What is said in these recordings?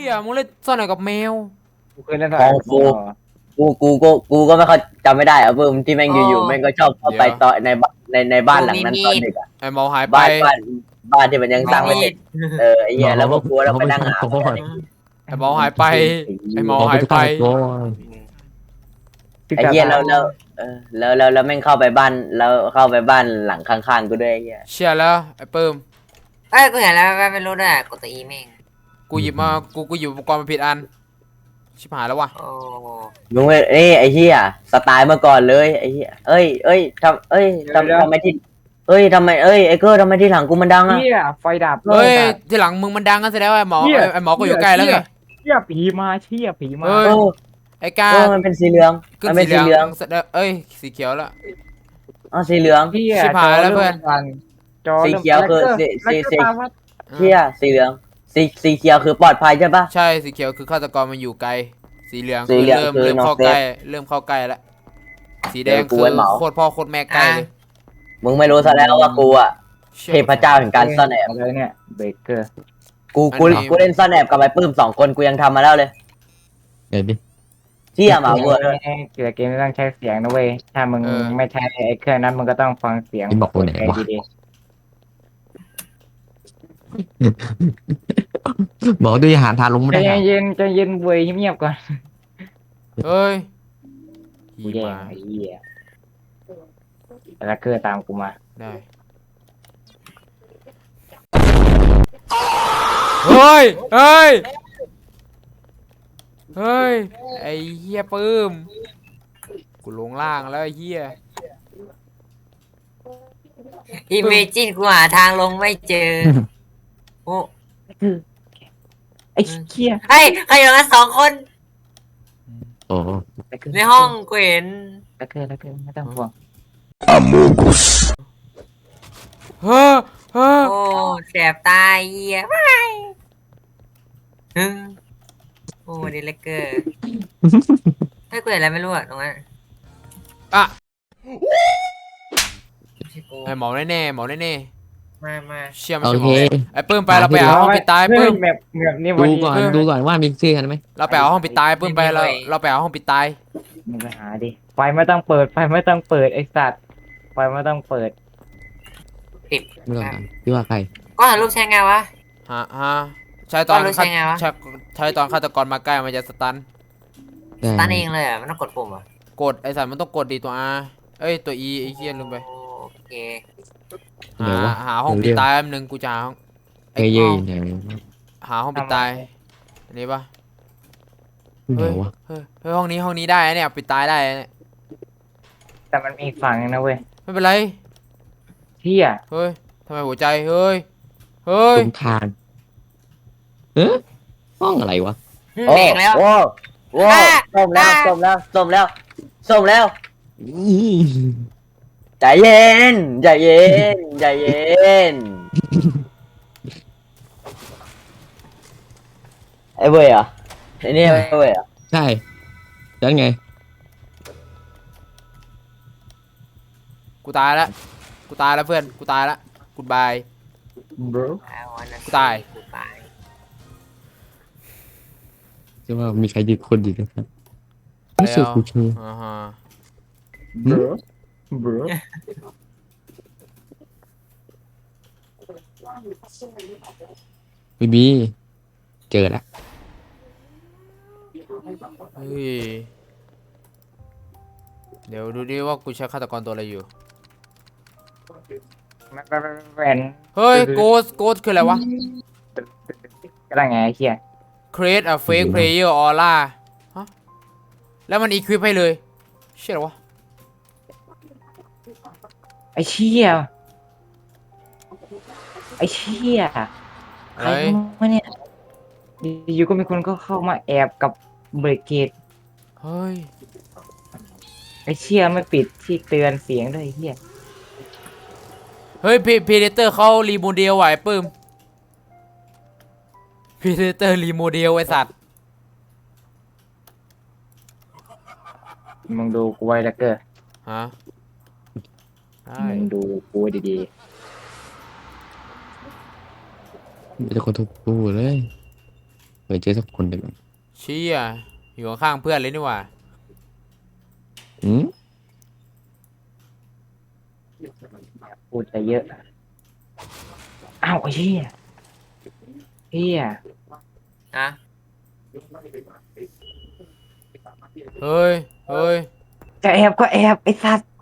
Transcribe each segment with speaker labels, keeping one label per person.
Speaker 1: ยมึงเล่นซ่อนไหนกับแมว
Speaker 2: กูเคยเล่นส
Speaker 3: ขอ
Speaker 2: าย
Speaker 3: งกูก็ไม่ได้อะเพิ่มที่แม่งอยู่ๆแม่งก็ชอบเข้าไปต่อในบ้านหลังนั้นตอนดึกอะ
Speaker 1: ไอ้หมอหายไป
Speaker 3: บ้านที่มันยังสร้างไม่เสร็จไอ้เหี้ยแล้วพวกกูเราไปนั่งหา
Speaker 1: ไอ้หมอหายไปไอ้หมอ
Speaker 4: เอาไป
Speaker 1: หาย
Speaker 4: ทุก
Speaker 1: ไป
Speaker 4: ขั้นตอน
Speaker 3: ไอ้เหี้ยแล้วแม่งเข้าไปบ้านแล้วเข้าไปบ้านหลังข้างๆกูด้วยไอ้เหี้ย
Speaker 1: เชื่อแล้วไอ้เปิ่ม
Speaker 5: เอ้ยกูเห็นแล้วไม่รู้ด้วยกดตัวอีแม่ง
Speaker 1: กูหยิบมากูหยิบอุปกรณ์มาผิดอันชิบหายแล้ววะ
Speaker 5: โอ้
Speaker 3: มึงไอ้เหี้ยสไตล์เมื่อก่อนเลยไอ้เหี้ยทำไมที่ไอ้เกอร์ทำไมที่หลังกูมันดังอะ
Speaker 2: เฮียไฟดับ
Speaker 1: เฮ้ยทีหลังมึงมันดังกันแสดงว่าไอ้หมอก็อยู่ใกล้แล้วไง
Speaker 2: เฮียผีมาเฮียผีมา
Speaker 1: เฮ้ย
Speaker 3: โอ้
Speaker 1: ไอ้กา
Speaker 3: มันเป็นสีเหลือง
Speaker 1: ขึ้น
Speaker 3: มันเป็น
Speaker 1: สี
Speaker 3: สี
Speaker 1: เห
Speaker 3: เห
Speaker 1: ลื
Speaker 3: ลื
Speaker 1: อ
Speaker 3: อง ง
Speaker 1: เอ้ยสีเขียวแล้ว
Speaker 3: อ๋อสีเหลือง
Speaker 2: เฮีย
Speaker 1: ชิบหายแล้วเพื่อน
Speaker 2: จอ
Speaker 3: สีเขียวคือสี เชี่ยสีเหลืองสีเขียวคือปลอดภัยใช่ปะ
Speaker 1: ใช่สีเขียวคือฆาตกรมันอยู่ไกลสีเหลือง
Speaker 3: สี
Speaker 1: คือ
Speaker 3: เหลือง
Speaker 1: เริ่ม
Speaker 3: คือ
Speaker 1: เริ่มเข้า
Speaker 3: น้องเซฟ
Speaker 1: ใกล้เริ่มเข้าใกล้แล้วสีแดง
Speaker 3: เดี๋ยวกู
Speaker 1: คือ
Speaker 3: ไว้เหมา
Speaker 1: โคตรพ่อโคตรแม่ใกล้เลย
Speaker 3: มึงไม่รู้ซะแล้วว่ากูอะ
Speaker 1: ชี่ย
Speaker 3: เทพเจ้าแห่งการซ่อนแอบ
Speaker 2: อะไรเนี่ยเบเกอร์
Speaker 3: กูเล่นซ่อนแอบกับไอ้ปื้ม2 คนกูยังทำมาแล้วเลย
Speaker 4: เดี๋ยวดิ
Speaker 3: เชี่ยหมาเวอร์เลย
Speaker 2: เกี่ยวกับเกมไม่ต้องใช้เสียงนะเว้ยถ้ามึงไม่ใช้ไอ้เครื่องนั้นมึงก็ต้องฟังเสียง
Speaker 4: นี่บอกตัวไหนวะ
Speaker 2: ดี
Speaker 4: บอกด้วยอาหารทานลง
Speaker 2: ๆ
Speaker 4: ไม่
Speaker 2: ใจ
Speaker 4: ได้
Speaker 2: เย็นใจเย็นเว้ยเงียบๆก่อน
Speaker 1: เฮ้ย
Speaker 2: กูแย่งไอ้เหี้ยแล้วเกอร์ตามกูมา
Speaker 1: ได้เฮ้ยเฮ้ยเฮ้ยไอ้เหี้ยปื้มกูลงล่างแล้วไอ้เหี้ย
Speaker 5: อีเมจินกูหาทางลงไม่เจอโอ้
Speaker 2: ไอ้เหี้ย
Speaker 5: เฮ้ยใครอยู่กัน2 คน
Speaker 4: โอ้
Speaker 5: ในห้องกูเห็น
Speaker 2: แล้วเกอร์ไม่ต้องห่วง
Speaker 1: เฮ้อเฮ้อ
Speaker 5: โอ้แสบตาเหี้ยไม่ฮึโอ้ดีเลกเกอร์ให้กูเห็นอะไรไม่รู้อะตรงนั้น
Speaker 1: อ่ะ
Speaker 5: ไม่ใช่กู
Speaker 1: ไอ้หมอแน่ๆหมอแน่
Speaker 5: มา
Speaker 1: ๆเชื่อไม่
Speaker 4: โอ
Speaker 1: ใช่หม
Speaker 4: เค
Speaker 1: อไอ้ปื้มไปเราไปเอาห้องปิดตายปื้ม
Speaker 2: แบบนี้
Speaker 4: ดูก่อนว่ามีชื่อกันไหม
Speaker 1: เราไปเอาห้องปิดตายปื้มไปเราไปเอาห้องปิดตาย
Speaker 2: มึงไปหาดิไฟไม่ต้องเปิดไฟไม่ต้องเปิดไอ้สัตว์ไฟไม่ต้องเปิด
Speaker 5: ติด
Speaker 4: ไม่ต้องถามพี่ว่าใคร
Speaker 5: ก็ถ่ายรูปใช้ไงวะ
Speaker 1: ฮะใช่ตอน
Speaker 5: ก็รู้ใช่ไงวะ
Speaker 1: ใช่ตอนฆาตกรมาใกล้มันจะสตัน
Speaker 5: ตั้นเองเลยอ่ะมันต้องกดปุ่มอ่ะ
Speaker 1: กดไอ้สัตว์มันต้องกดดีตัว R เอ้ยตัว E ไอ้เหี้ยลืมไป
Speaker 5: โอเค
Speaker 4: เดี๋ยววะ
Speaker 1: หาห้องปิดตายแป๊บนึงกูจะหาห้อง
Speaker 4: เยอะๆเนี่ย
Speaker 1: หาห้องปิดตายอันนี้ปะ
Speaker 4: เดี๋ยววะ
Speaker 1: เฮ้ยห้องนี้ได้นะเนี่ยปิดตายได้นะเนี่ย
Speaker 2: แต่มันมีอีกฝั่งนึงนะเว้ย
Speaker 1: ไม่เป็นไร
Speaker 2: เที่ย
Speaker 1: เฮ้ยทำไมหัวใจเฮ้ยเฮ้ย
Speaker 4: ตรงทานเอ๊ะห้องอะไรวะ
Speaker 3: โอ้
Speaker 5: เบรกแล้ว
Speaker 3: โอ้ส้มแล้วใจเย็นไอ้เว้ยเหรอไอ้นี่ไอ้เว้ยเหรอ
Speaker 4: ใช่แล้วไง
Speaker 1: กูตายแล้วเพื่อนกูตายแล้วกูบาย
Speaker 2: bro
Speaker 1: กูตาย
Speaker 5: กูตาย
Speaker 4: จะว่ามีใครยืนคนอยู่นะครับไม่สุดกูเชื่อ
Speaker 1: อ่าฮะ
Speaker 2: bro
Speaker 4: บีเจอแล้ว
Speaker 1: เฮ้ยเดี๋ยวดูดิว่ากูใช้ฆาตกรตัวอะไรอยู่
Speaker 2: แหวน
Speaker 1: เฮ้ยโกสคืออะไรวะ
Speaker 2: ก็ได้ไงไอ้เหี้ย
Speaker 1: create a fake player aura ฮะแล้วมัน equip ให้เลยเชื่อหรอวะ
Speaker 2: ไอ้เชี่ยไอ้เชี่ยใคร
Speaker 1: เฮ้ย
Speaker 2: มาเนี่ยอยู่ก็มีคนก็เข้ามาแอบกับเบรกเกต
Speaker 1: เฮ้ย
Speaker 2: ไอ้เชี่ยไม่ปิดที่เตือนเสียงด้วยไอ้เหี้ย
Speaker 1: เฮ้ยพีเดเตอร์เขารีโมเดลไหวปื้มพีเดเตอร์รีโมเดลไอสัตว์
Speaker 2: มึงดูกูไว้แล้วเกอร์
Speaker 1: ฮะได้
Speaker 2: มึงดูกูไว้ดี
Speaker 4: มีแต่คนถูกกูเลยเคยเจอสักคนหนึ่ง
Speaker 1: เชี่ยอยู่ข้างๆเพื่อนเลยนี่หว่า
Speaker 4: อืม
Speaker 2: พูดไปเยอะอ้าวไอ้เหี้ยเหี้ย
Speaker 5: นะ
Speaker 1: เฮ้ยเฮ้ย
Speaker 2: จะแอบก็แอบไอ้สัตว์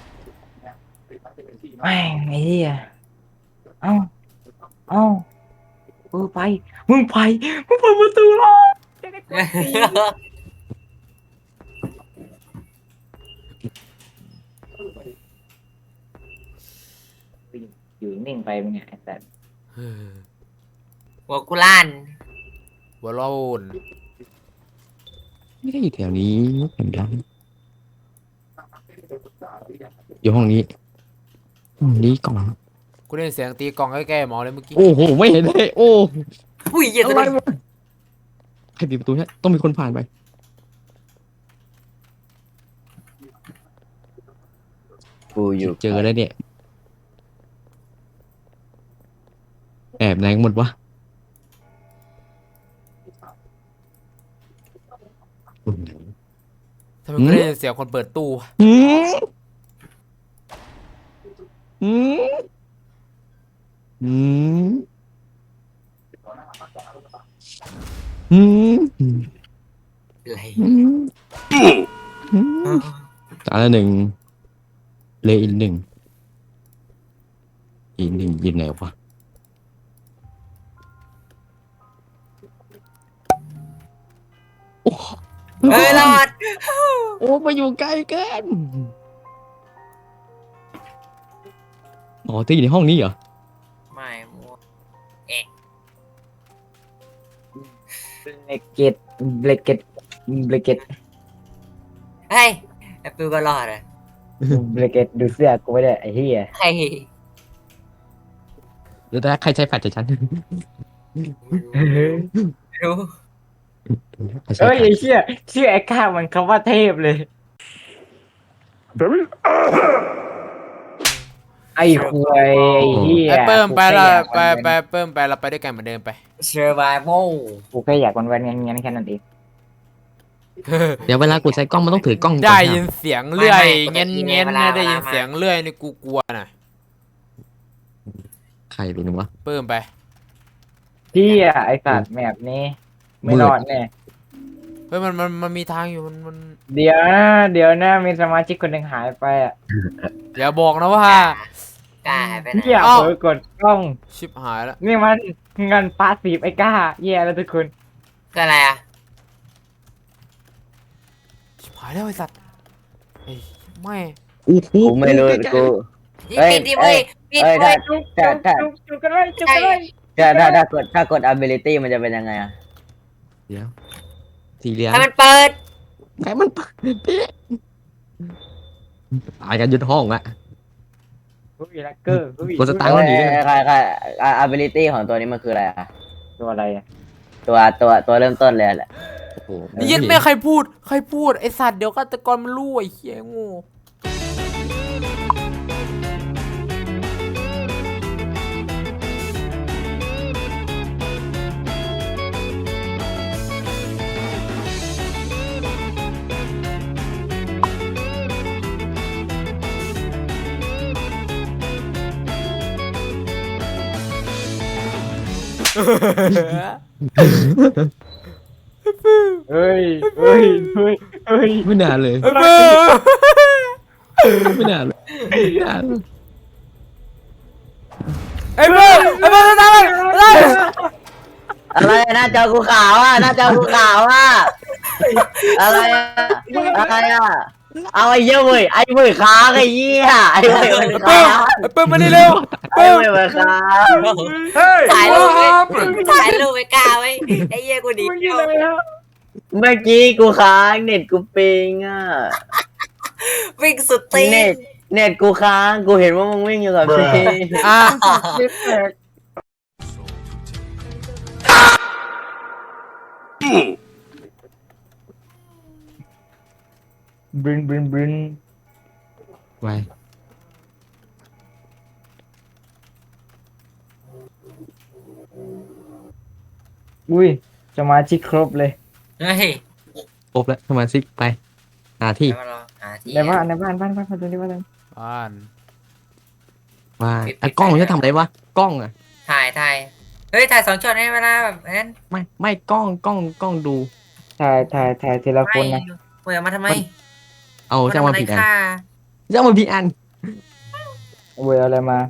Speaker 2: แม่งไอ้เหี้ยเอ้าเอ้าไปมึงไปมึงเปิดประตูรอจะได้กดตีอยู่นิ่งไปมึงไงไอ้สัตว์
Speaker 5: หัวกุล่าน
Speaker 1: หัวโลน
Speaker 4: ไม่ได้อยู่แถวนี้เห็นยังอยู่ห้องนี้ห้องนี้กล่อง
Speaker 1: กูได้ยินเสียงตีกลองใกล้ๆหมอเลยเมื่อกี้
Speaker 4: โอ้โหไม่เห็นเลยโอ้
Speaker 5: อุ้ยเหี้ยตัว
Speaker 4: อะไร
Speaker 5: นี้
Speaker 4: วะใครปิดประตูเนี่ยต้องมีคนผ่านไป
Speaker 3: กูอยู่
Speaker 4: เจอแล้วเนี่ยแอบไหนกันหมดวะ
Speaker 1: ทำไมกูได้ยินเสียงคนเปิดตู้วะ
Speaker 4: อืมอืมอืมอืม
Speaker 5: อะไร
Speaker 4: อืมตาละหนึ่งเลยอีกหนึ่งอีกหนึ่งยินไหนวะโอ้
Speaker 5: เฮ้ยรอด
Speaker 4: โอ้มาอยู่ใกล้เกินอ๋อที่อยู่ในห้องนี้เหรอ
Speaker 5: ไม่มัว
Speaker 2: เบรกเก็ตเบรกเก็ตเบรกเก็ต
Speaker 5: เฮ้ยแอปเปิลก็รอดอ่ะ
Speaker 2: เบรกเก็ตดูเสื้อกูไม่ได้ไอ้เหี้ย
Speaker 5: ใคร
Speaker 4: หรือแต่ใครใช้แฟลชจากฉัน
Speaker 5: รู้
Speaker 4: ใครใช้
Speaker 2: เอ้ย
Speaker 4: แฟล
Speaker 2: ไอ้
Speaker 4: ช
Speaker 2: เชี่ยชื่อไอ้ข้ามันคำว่าเทพเลย ไอ้ควยไอ้เหี้ย
Speaker 1: ไอ้เปิ้มไปละ
Speaker 2: กูแค่อยาก
Speaker 1: ไปเปิ้มไปเราไปด้วยกันเหมือนเดิมไป
Speaker 5: เซอร์ไวโม
Speaker 2: กูแค่อยากวันๆงั้นแค่นั้นเอง
Speaker 4: เดี๋ยวเวลากูใช้กล้องมันต้องถือกล้องก่อน
Speaker 1: ได้
Speaker 4: นะ
Speaker 1: ยินเสียงเลื่อยเงี้ยเงี้ยนะได้ยินเสียงเลื่อยนี่กูกลัวน่ะ
Speaker 4: ใครเป็นวะ
Speaker 1: เปิ้มไป
Speaker 2: เหี้ยไอ้สัตว์แบบนี้ไม่รอดแน่
Speaker 1: เฮ้ยมันมีทางอยู่มัน
Speaker 2: เดี๋ยวนะมีสมาชิกคนหนึ่งหายไปอ่ะ
Speaker 1: อย่าบอกนะว่า
Speaker 5: กล้าหายไปไหน
Speaker 2: เหี้ย
Speaker 1: อ้าว
Speaker 2: เผลอกดกล้อง
Speaker 1: ชิบหายแล้ว
Speaker 2: นี่มันเงินพาสซีฟไอ้ก้าแย่แล้วทุกคน
Speaker 5: ก็อะไรอ่ะ
Speaker 1: ชิบหายแล้วไอ้สัตว์ไอ้ไม่
Speaker 4: โอ้โห
Speaker 3: กูไม่รู้กู
Speaker 5: นี่
Speaker 3: เอ้ย
Speaker 5: ปิดดิเว้ยปิด
Speaker 3: เอ้ย
Speaker 5: เว้ย
Speaker 2: จุก
Speaker 3: ถ้าถ้า
Speaker 2: จุกกันเลยจุกกันเลย
Speaker 3: ถ้ากด ability มันจะเป็นยังไงอะ
Speaker 4: เดี๋ยวทีเรียน
Speaker 5: ให้มันเปิด
Speaker 4: ใครมันเปิดพี่ตายกันยึดห้องอะ
Speaker 2: อุ้ยแลกเกอร์อุ้ย
Speaker 4: กดสตาร์ท
Speaker 3: เอ้ยใคร ability ของตัวนี้มันคืออะไรอะ
Speaker 2: ตัวอะไรอ่ะ
Speaker 3: ตัวเริ่มต้นเลยแหละ
Speaker 4: โอ้โห
Speaker 1: นี่ยันไม่ใครพูดไอ้สัตว์เดี๋ยวฆาตกรมันรู้ไอ้เหี้ยโง่
Speaker 2: เฮ้ยเฮ้ยเฮ้ยเฮ้ย
Speaker 4: ไม่นานเลย
Speaker 1: ไอ้เปิ้ม
Speaker 4: ไม่นานเลยไม่นานเลย
Speaker 1: ไอ้เปิ้มตามมัน
Speaker 3: อะไรหน้าจอกูขาวอ่ะหน้าจอกูขาวอ่ะอะไรอะอะไรอ่ะเอาไอ้เหี้ยเว้ยไอ้เว้ยค้างไอ้เหี้ยไอ้เว้ยมันค้าง
Speaker 1: ไอ้เปิ้มมานี่เร็ว
Speaker 3: ไอ้เว้ยมันค้าง
Speaker 2: เฮ้ย
Speaker 5: ถ่ายรูปไว้ถ่ายรูปไว้กล้าไว้ไอ้เหี้ยกูดี
Speaker 2: มึงยิงอะไรครับ
Speaker 3: เมื่อกี้กูค้างเน็ตกูปิงอ่ะ
Speaker 5: วิ่งสุดตีน
Speaker 3: เน็ตกูค้างกูเห็นว่ามึงวิ่งอยู่กับพี่
Speaker 1: อ่ะ
Speaker 2: จิ๊บแตกบึนบึนบึน
Speaker 4: ไว้
Speaker 2: อุ้ยสมาชิกครบเลย
Speaker 5: เฮ้ย
Speaker 4: ครบแล้วสมาชิกไปหาที่
Speaker 5: เดี๋ยวมารอหาที่
Speaker 2: ในบ้านบ้านมาดูดิว่าอะไร
Speaker 1: บ้าน
Speaker 4: ว่าไอ้กล้องมันจะทำอะไรวะกล้องอะ
Speaker 5: ถ่ายเฮ้ยถ่าย2 ช็อตให้เวลาแบบนั้น
Speaker 4: ไม่กล้องดู
Speaker 2: ถ่ายทีละคนนะ
Speaker 5: เปิดมาทำไม
Speaker 4: เอาจ้างมาผิดอัน
Speaker 5: ค่า
Speaker 4: จ้างมาผิดอัน
Speaker 2: เวยอะไรมา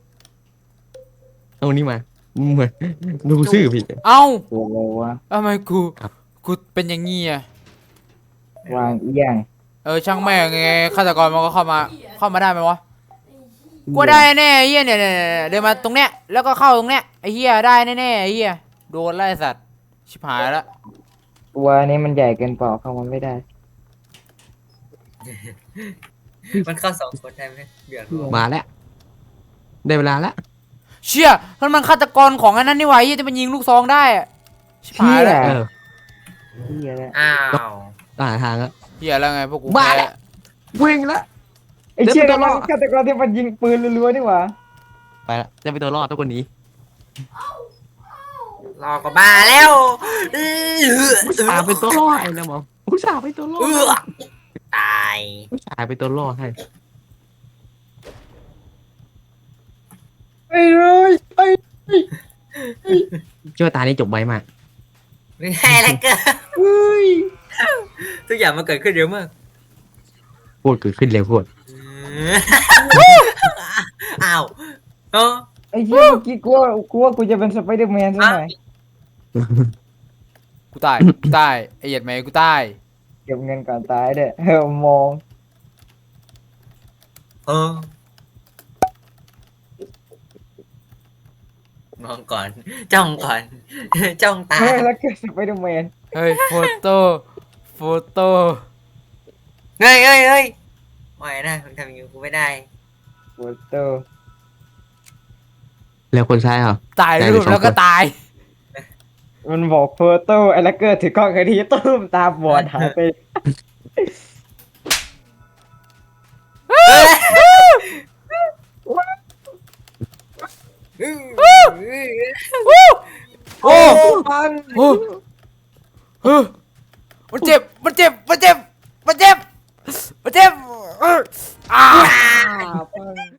Speaker 4: เอานี่มาเหมือนดูชื่อผิด
Speaker 1: เอ้า
Speaker 2: ตัวอะไรวะ
Speaker 1: ทำไมกู
Speaker 4: ครับ
Speaker 1: กูเป็นอย่างงี้อ่ะ
Speaker 2: วางเอียง
Speaker 1: ช่างแม่งไงฆาตกรมันก็เข้ามาได้ไหมวะกูได้แน่ไอ้เฮียเนี่ยเดินมาตรงเนี้ยแล้วก็เข้าตรงเนี้ยไอ้เฮียได้แน่ๆไอ้เฮียโดนไล่สัตว์ชิบหายแล้ว
Speaker 2: ตัวนี้มันใหญ่เกินเปล่าเข้ามาไม่ได้
Speaker 5: มันเข้า2 คนได้ไหมเดือดร้อน
Speaker 4: มาแล้วได้เวลาแล้ว
Speaker 1: เชี่ยมันฆาตกรของอันนั้นนี่หว่าไอ้เฮียที่มันยิงลูกซองได้อะชิบหายแล้ว
Speaker 2: เหี้
Speaker 4: เออ
Speaker 2: เฮียแล้ว
Speaker 5: อ้าว
Speaker 4: หาทางแล้ว
Speaker 1: เฮียแล้วไงพวกกู
Speaker 4: มา
Speaker 1: แพ้
Speaker 4: แล้ว วิ่งแล้ว
Speaker 2: ไอ้เชี่ย
Speaker 4: เดี๋ยว
Speaker 2: มั
Speaker 4: มัน น
Speaker 2: ฆาตกรที่มันยิงปืนรัวๆนี่หว่า
Speaker 4: ไปแล้วจะไปตัวรอดทุกคนนี้
Speaker 5: รอก็บ้าแล้ว
Speaker 4: ผู้ชายเป็นตัวรอดไอ้นะหมอผู้ชายเป็นตัวรอด
Speaker 5: ตาย
Speaker 4: ผู้ชายเป็นตัวรอดให้
Speaker 2: ไอ้เลยไอ้
Speaker 4: เชื่อว่าตานี้จบไวมาก
Speaker 5: ไม่ให้แล้วเกิน
Speaker 2: เฮ้ย
Speaker 5: ทุกอย่างมันเกิดขึ้นเร็วมาก
Speaker 4: พูดเกิดขึ้นเร็วโคตร
Speaker 5: อ้าวเออ
Speaker 2: ไอ้เชี่ยเมื่อกี้กูว่ากูจะเป็นสไปเดอร์แมนซะหน่อย
Speaker 1: กูตายไอ้เหยียดไหมกูตาย
Speaker 2: เก็บเงินก่อนตายเด้อมอง
Speaker 5: เออมองก่อน จ้องก่อน จ้องตา
Speaker 2: เฮ้ยแล้วก็สไปเดอร์แมน
Speaker 1: เฮ้ยโฟโต้
Speaker 5: เฮ้ยไม่นะมึงทำอย่างนี้กูไม่ได้
Speaker 2: โฟโต้
Speaker 4: แล้วคนใช้เหรอ
Speaker 1: ตาย
Speaker 4: ได้
Speaker 1: รู
Speaker 4: ไป
Speaker 1: ป
Speaker 4: สอง
Speaker 1: แล้วก็
Speaker 4: คน
Speaker 1: ตาย
Speaker 2: มันบอกโฟโต้ไอ้ลักเกอร์ถือกล้องไอ้ทีตุ้มตาบอดหายไป
Speaker 1: โอ้
Speaker 2: มัน
Speaker 1: โอ้มันเจ็บอ่า